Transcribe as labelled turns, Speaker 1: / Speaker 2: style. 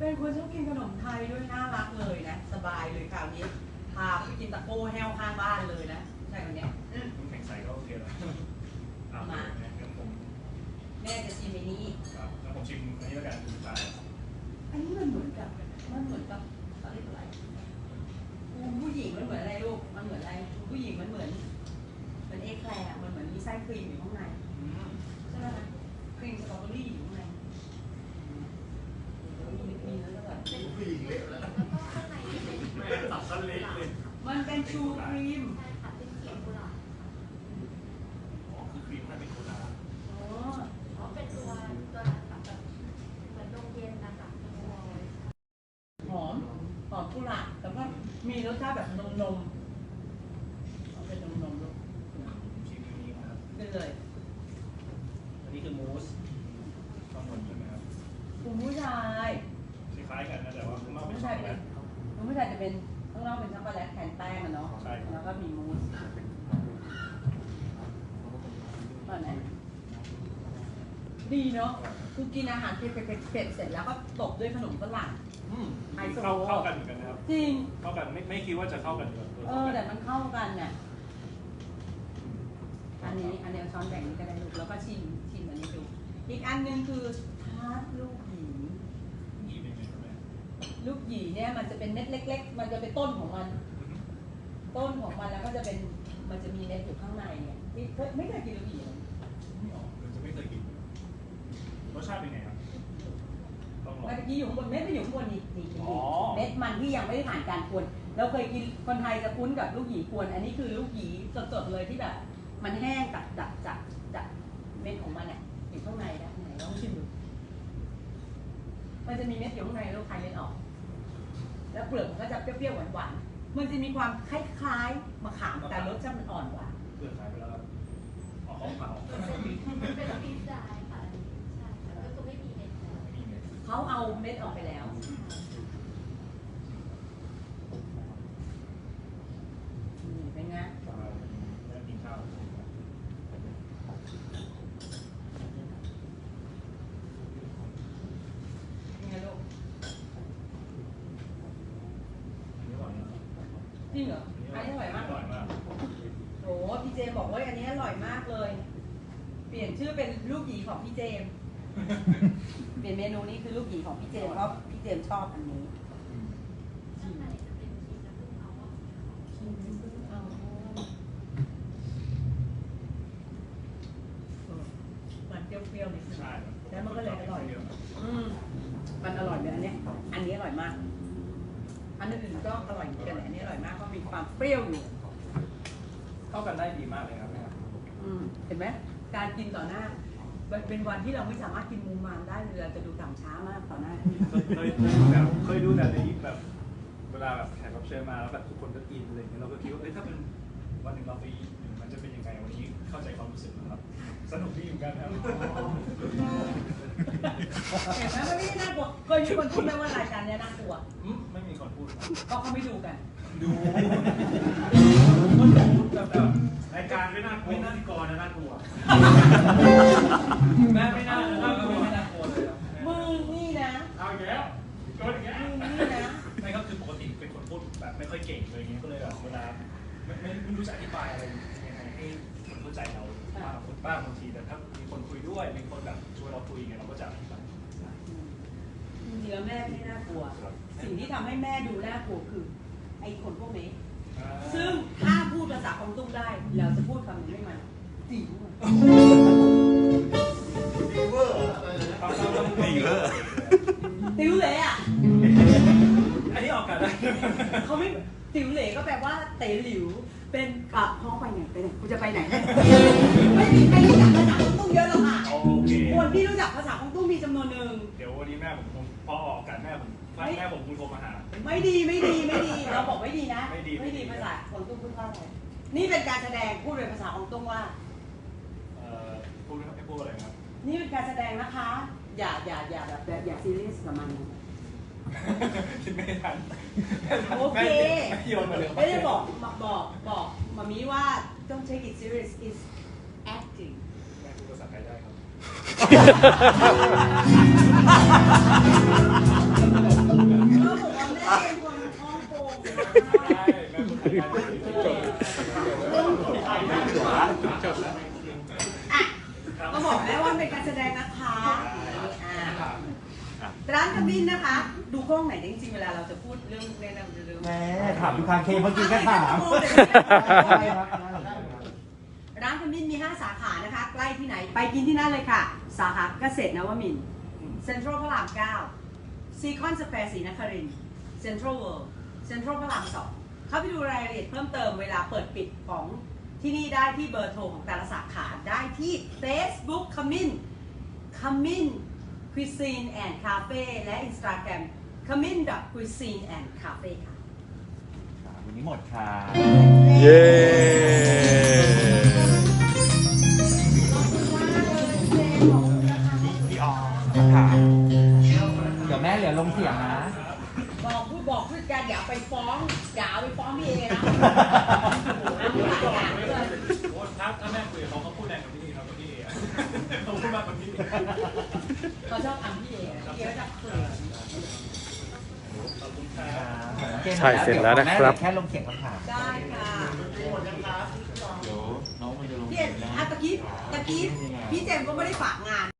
Speaker 1: เป็นคนชอบกินขนมไทยด้วยน่ารักเลยนะสบายเลยคราวนี้พาไปกินตะโก้แห้วข้างบ้านเลยนะใช่คนนี้
Speaker 2: น้ำแข็งใสก็โอเคแล้ว
Speaker 1: มาแม่จะชิมไอ้นี้
Speaker 2: แล้วผมชิมอันนี้แล้วกันสุดท้าย
Speaker 1: อันนี้มันเหมือนกับอะไรผู้หญิงมันเหมือนอะไรลูกมันเหมือนอะไรผู้หญิงมันเหมือนเอ็กแคลร์มันเหมือนมีไส้ครีมอยู่ข้างในใช่ไหมคะครีมสตรอเบอรี่อยู่ข้างในมีแล้วก็แบบ
Speaker 3: ผู้หญิงเละแล้ว
Speaker 2: แม่ตัดสั้นเล็กเลย
Speaker 1: มันเป็นชูครีม
Speaker 4: ใช่ค่ะเป็นเขียวกุหลาบ
Speaker 2: อ๋อคือครีมให้เป็นโคลา
Speaker 4: อ๋อเป็นตัวแบบเหมือนนมเย็นนะคะ
Speaker 1: หอมกุหลาบแต่ว่ามีรสชาติแบบนมเป็นนมลูก
Speaker 2: ชิมนี้ครับ
Speaker 1: เป็นเลย
Speaker 2: อันนี้คือมูสข้างบนใช่ไหมครับ
Speaker 1: คุณผู้ชาย
Speaker 2: คล้ายๆกันนะแต่ว่าข้างนอกเป็นช็อกโกแลต
Speaker 1: คุณผู้ชายจะเป็นข้างนอกเป็นช็อกโกแลตแทนแป้งอะเนาะแล้วก็มีมูสตอนไหนดีเนาะคือกินอาหารเผ็ดเสร็จแล้วก็ตบด้วยขนมฝรั่ง
Speaker 2: เข้ากันเหมือนกันนะครับ
Speaker 1: จริง
Speaker 2: เข้ากันไม่คิดว่าจะเข้ากัน
Speaker 1: แต่มันเข้ากันเนี่ยอันนี้ช้อนแบ่งนี้ก็ได้ลูกแล้วก็ชิมอันนี้ดูอีกอันนึงคือทาร์ตลูกหยีลูกหยีเนี่ยมันจะเป็นเม็ดเล็กๆมันจะเป็นต้นของมันแล้วก็จะเป็นมันจะมีเม็ดอยู่ข้างในเนี่ยที่ไม่เคยกินลูกหยี
Speaker 2: ไม่ออกจะไม่เคยกินรสชาติเป็นไงครับ
Speaker 1: เมื่อกี้อยู่ข้างบนเม็ดไม่อยู่ข้างบนนี่เม็ดมันที่ยังไม่ได้ผ่านการกวนเราเคยกินคนไทยจะคุ้นกับลูกหยีกวนอันนี้คือลูกหยีสดๆเลยที่แบบมันแห้งจากเม็ดของมันเนี่ยอยู่ข้างในนะไหนลองชิมดูมันจะมีเม็ดอยู่ข้างในแล้วคายเม็ดออกแล้วเปลือกมันก็จะเปรี้ยวๆหวานๆมันจะมีความคล้ายๆมะขามแต่รสชาติมันอ่อนกว่า
Speaker 2: เปลือกขายไปแล้วออกของเปล่า
Speaker 4: เป็นปี๊ดได้ค่ะใช่แล้วก็ไม่มีเม็ด
Speaker 1: เขาเอาเม็ดออกไปแล้วเป็นไง
Speaker 2: กินข้าว
Speaker 1: จริงเหรออันนี้อร่อยมากโอ้พี่เจมบอกว่าอันนี้อร่อยมากเลยเปลี่ยนชื่อเป็นลูกหยีของพี่เจมเปลี่ยนเมนูนี้คือลูกหยีของพี่เจมเพราะพี่เจมชอบอันนี้
Speaker 4: ข้างในจะเป็นชีสและพึ่งเอา
Speaker 1: มันเปรี้ยวๆนิดนึง
Speaker 2: ใช่
Speaker 1: แล้วมันก็เลยอร่อยมันอร่อยเลยอันนี้อร่อยมากอันอื่นก็อร่อยเหมือนกันอันนี้อร่อยมากเพราะมีความเปรี้ยวอยู่
Speaker 2: เข้ากันได้ดีมากเลยครับ
Speaker 1: เห็นไหมการกินต่อหน้าเป็นวันที่เราไม่สามารถกินมูมามได้เลยเราจะดูต่ำช้ามากต่อหน้า
Speaker 2: เคยดูแต่ในแบบเวลาแบบแขกรับเชิญมาแล้วแบบทุกคนก็กินอะไรอย่างเงี้ยเราก็คิดว่าถ้าเป็นวันหนึ่งเราไปมันจะเป็นยังไงวันนี้เข้าใจความรู้สึกนะครับสนุกดีเหมือนกันครับ
Speaker 1: เห็นไหมมันไม่น่ากลัวเคยมีคนพูดไหมว่ารายการนี้น่ากลัว
Speaker 2: ไม่มีคนพูด
Speaker 1: ก็เขาไม่ดูกัน
Speaker 2: ดูแต่รายการไม่น่ากลัวน่ากลัวนะน่ากลัวแม่ไม่น่ากลัวไม่น่ากลัวเลย
Speaker 1: มึงนี่นะ
Speaker 2: เอาอย่างเงี้ยโดนอย่างเงี้ย
Speaker 1: มึงนี่นะ
Speaker 2: ไม่ก็คือปกติเป็นคนพูดแบบไม่ค่อยเก่งเลยอย่างเงี้ยก็เลยแบบเวลาไม่รู้จะอธิบายอะไรยังไงให้คนเข้าใจเราบ้างบางทีแต่ถ้ามีคนคุยด้วยมีคนแบบช่วยเราคุยไงเราก็จะอธิบาย
Speaker 1: จริงๆแล้วแม่ไม่น่ากลัวสิ่งที่ทำให้แม่ดูน่ากลัวคือไอ้คนพวกนี้ซึ่งถ้าพูดภาษาของตุ้งได้เราจะพูดคำนี้ให้มันติ๋วติ๋วเหล่อะ
Speaker 2: อันนี้ออกกันได้
Speaker 1: เขาไม่ติ๋วเหล่ก็แปลว่าเต๋หลิวเป็นพ่อไปไหนกูจะไปไหนไม่มีใครรู้จักภาษาของตุ้งเยอะหรอกค่ะคนที่รู้จักภาษาของตุ้งมีจำนวนหนึ่ง
Speaker 2: เดี๋ยววันนี้แม่ผมพอออกกันแม่ผมคุณโทรมาหา
Speaker 1: ไม่ดีเราบอกไม่ดีนะไม่ดีภาษาของตุ้งพูดว่าอะไรนี่เป็นการแสดงพูดเป็นภาษาของตุ้งว่า
Speaker 2: พูดอะไรครับ
Speaker 1: นี่เป็นการแสดงนะคะอย่าแบบอย่าซีเรียสกับมัน
Speaker 2: คิดไม่ทัน
Speaker 1: โอเค
Speaker 2: โยนมาเลย
Speaker 1: ไม่ได้บอกมามีว่า don't take it serious is acting
Speaker 2: แม่พูดภาษาไทยได้ครับ
Speaker 1: อ่ะก็บอกแล้วว่าเป็นการแสดงนะคะร้านขมิ้นนะคะ ดูกล้องไหนจริงๆเวลาเราจะพูดเรื่องแนะนำเรื่อง
Speaker 3: แม่ถามดูคาเคเมื่อกี้ก็ถาม
Speaker 1: ร้านขมิ้นมี 5 สาขานะคะ ใกล้ที่ไหนไปกินที่นั่นเลยค่ะ สาขาเกษตรนวมินทร์เซ็นทรัลพระราม 9 ซีคอนสแควร์ศรีนครินทร์เซ็นทรัลเวิลด์เซ็นทรัลพระราม 2 เข้าไปดูรายละเอียดเพิ่มเติมเวลาเปิดปิดของที่นี่ได้ที่เบอร์โทรของแต่ละสาขาได้ที่ Facebook ขมิ้นCuisine and Cafe และ Instagram kamin.cuisine and cafe ค่ะ
Speaker 3: วันนี้หมดค่ะ
Speaker 5: เย้
Speaker 3: พี่ออค่ะเดี๋ยวแม่เหลือลงเสียงนะ
Speaker 1: บอกพูดกันอย่าไปฟ้องพี่เอนะ
Speaker 2: โอ้ถ้าแม่คุยกับเขาพูดแรงกว่านี้ครับพี่เอเขาพูดมากกว่านี้
Speaker 1: เขาชอบอัมพี่เอพี่เอก็จะเขิน
Speaker 2: ขอบคุณครับ
Speaker 5: ใช่เสร็จแล้วนะครับ
Speaker 3: แค่ลงเสียงคำถาม
Speaker 1: ได้ค่ะ
Speaker 3: เดี๋ยวน้องมันจะลง
Speaker 1: พี่เอตะกี้พี่เจมส์ก็ไม่ได้ฝากงาน